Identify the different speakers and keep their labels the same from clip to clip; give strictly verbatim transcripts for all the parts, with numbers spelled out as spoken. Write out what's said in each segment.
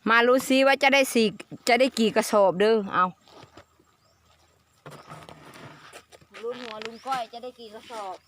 Speaker 1: มารู้ซิว่าจะได้สี่จะได้กี่กระสอบเด้อเอาลุงหัวลุงก้อยจะได้กี่กระสอบ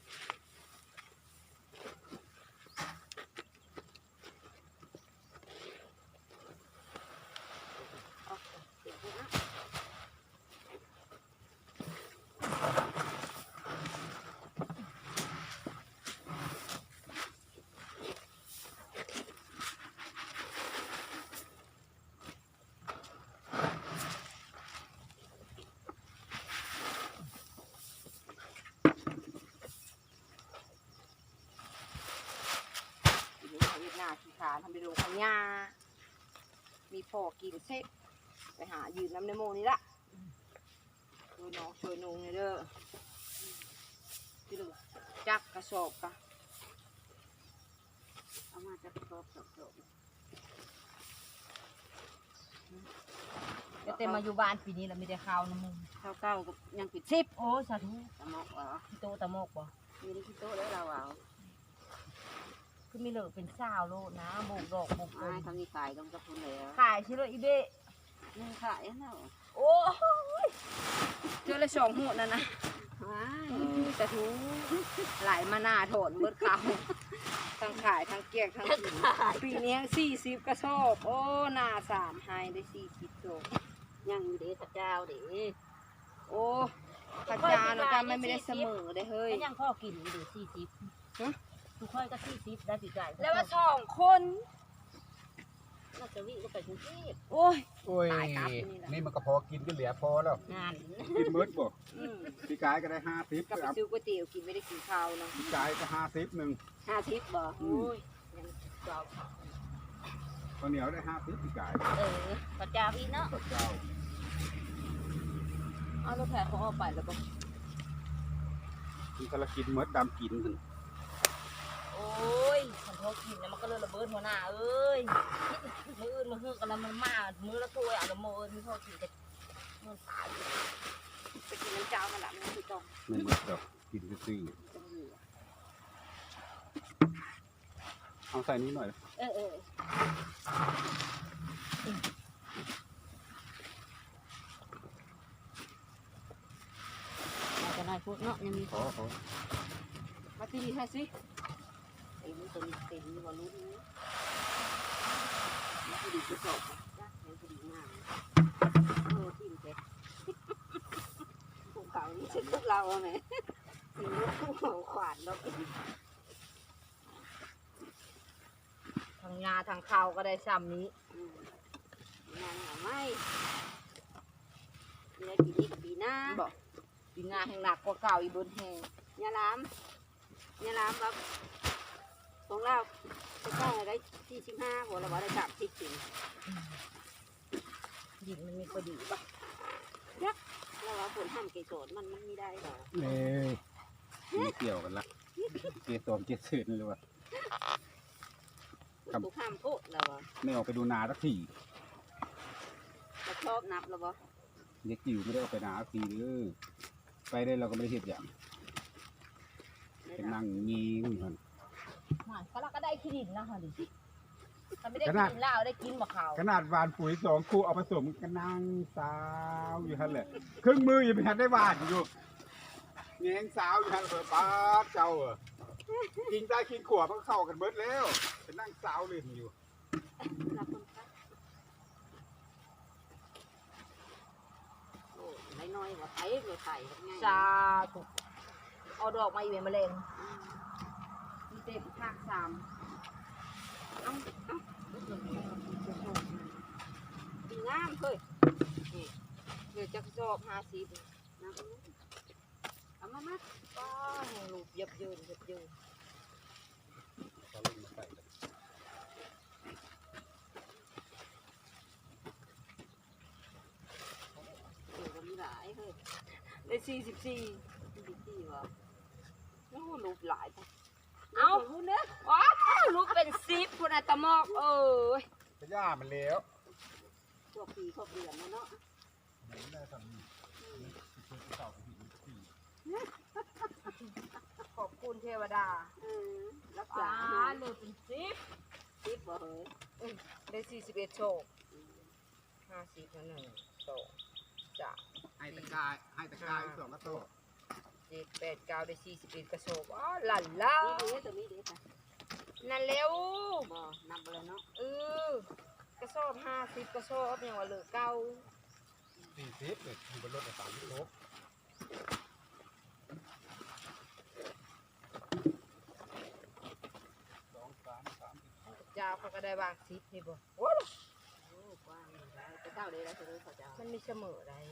Speaker 1: ขี้ขาทำเป็นโรงพยามีพอกินเซ็ตไปหายืนน้ำในโมนี่ละช่วยน้องช่วยนุ่งเด้อที่ดูจักกระสอบกะเอามาจักกระสอบกระสอบก็เต็มมาอยู่บ้านปีนี้เราไม่ได้ข้าวน้ำมึงข้าวเก้ากับยังปิดซิปโอ้สาธุตะมกเหรอที่โตตะมกบ่มีได้ที่โตแล้วเราเอาคือมีเหลือเป็นสาวโลนะโบกดอกโบกต้นทำนี่ขายต้องกระพุนเลยขายชิโร่อีเบ้นี่ขายนะโอ้ยเจอเลยสองหัวนั่นนะแต่ทูหลายมาหน้าโถนเบิดเขาทั้งขายทั้งเกียกทั้งกินปีนี้สี่สิบกระสอบโอ้หน้าสามไฮได้สี่สิบโลยังอยู่เด้ข้าเจ้าเด้โอ้ข้าเจ้านะกันไม่ได้เสมอได้เฮ้ยยังพ่อกินอยู่สี่สิบทุกคนก็สี่สิบได้ปีกไก่แล้วว่าสองคนน่าจะวิ่งก็ไปกรุงเทพโอ้ย
Speaker 2: โอ้ยนี่มันก็พอกินก็เหลือพอแล้ว
Speaker 1: งาน
Speaker 2: กินมื้อบ่พี่กายก็ได้ห้าสิบ
Speaker 1: ก็ไปซื้อก๋วยเตี๋ยวกินไม่ได้กินข้าวนะ
Speaker 2: พี่กายก็ห้าสิบหนึ่ง
Speaker 1: ห้าสิบบ่โอ้ยยังเจ้า
Speaker 2: ข้าวเหนียวได้ห้าสิบพี่กาย
Speaker 1: เออข้าวเจ้าอีกเนาะ
Speaker 2: ข้าวเจ้า
Speaker 1: เอารถแพเขาเอาไปแล้วบ่
Speaker 2: กินกะละกินมื้อดำกิน
Speaker 1: โอ้ยฉันเขากินแล้วมันก็เลยระเบิดหัวหน้าเอ้ยมืออื่นมาฮือกันแล้วมันมามือละถ้วยอ่ะละโมเอ้ยมีเขากินแต่เงินตายไปกินน้ำเจ้ามันละมันคือตรง
Speaker 2: ไม่หมดดอกกินซื่อเอาใส่นี้หน่อย
Speaker 1: เออเอออาจจะได้พูดเนาะยังมีขอมาตีให้สิไอ้นี่ตัวนี้เต็มนี่ว่ารู้นี่มันพอดีกระสอบจ้ะมันพอดีมากเออทิ่มเจ็บภูเขานี่ฉันพวกเราไหมถึงภูเขาขวานเราทางงาทางเขาก็ได้ซ้ำนี้งานหาไม่มีอะไรปีนี้กับปีหน้าบอกปีหน้าแห่งหนักกว่าเก่าอีบนแห่งยาล้ำยาล้ำครับของเราจะต้องได้สี่สิบห้าหัวเราได้สามสิบสี่ดินมันมีพอดีป่ะยักแล้วเราผลทำเกสรมันมันไม่ได้หรอ
Speaker 2: เนี่ยเกี่ยวกันละเกสรเกสรเลยว่ะ
Speaker 1: ถูกห้ามโคตรแล้ววะ
Speaker 2: ไม่ออกไปดูนาสักที
Speaker 1: เราชอบนับแล้ววะ
Speaker 2: เด็กจิ๋วไม่ได้ออกไปนาสักทีเลยไปได้เราก็ไม่ได้เห็นอย่างเป็นนั่งงีงเหมือน
Speaker 1: ก็เราก็ได้ขี้ดินนะฮะดิถ้าไม่ได้กินเหล้าได้กินมะขาว
Speaker 2: ขนาดหวานปุ๋ยสองคู่เอาผสมกันนั่งสาวอยู่ฮั่นแหละครึ่งมือยังไม่ทันได้หวานอยู่แงงสาวอยู่ฮั่นเปิดป้าเจ้าอ่ะกินได้กินขวบมันเข้ากันเบิดแล้วเป็นนั่งสาวเลยอยู่
Speaker 1: ไม่น้อยกว่าไทยเลยไทยซาถูกเอาดอกมาอีเวนต์มาเล่นมีเต็มภาคสามเอาเอาดีงามเฮ้ยเดี๋ยวจะสอบห้าสิบนะเอามามาก็ลูกยับยืนยับยืนเดี๋ยวมีหลายเฮ้ยได้สี่สิบสี่สี่สิบสี่วะโอ้ลูกหลายจ้ะเอาคุณเนี่ยว้าวลูกเป็นซิปคุณอาตมอกเอ้ย
Speaker 2: จะย่ามันแล้ว
Speaker 1: พวกปีพวกเดือนเนาะขอบคุณเทวดารักษาเลยเป็นซิปสิบบ่เฮ้ยได้สี่สิบเอ็ดโชคห้าสิบหนึ่งสองสาม
Speaker 2: ให้ตะกายให้ตะกายสองกระโต
Speaker 1: เจ็ดแปดเก้าได้สี่สิบเอ็ดกระโชกอ๋อหลั่นล่านั่นเร็วบ่นับไปเลยเนาะเออกระสอบห้าสิบกระสอบอย่างว่าเหลือเก้า
Speaker 2: สี่สิบเนี่ยอยู่บนรถสามสิบโลสองสามสามสิบหก
Speaker 1: เจ้าเขาก็ได้บางสิบนี่บ่โอ้กว้างได้แต่เจ้าได้แล้วคือเขาเจ้ามันมีเสมอได้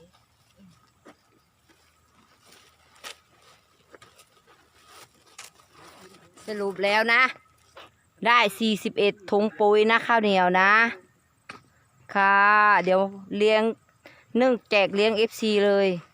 Speaker 1: สรุปแล้วนะได้สี่สิบเอ็ดถุงปุ๋ยนะข้าวเหนียวนะค่ะเดี๋ยวเลี้ยงนึ่งแจกเลี้ยง เอฟ ซี เลย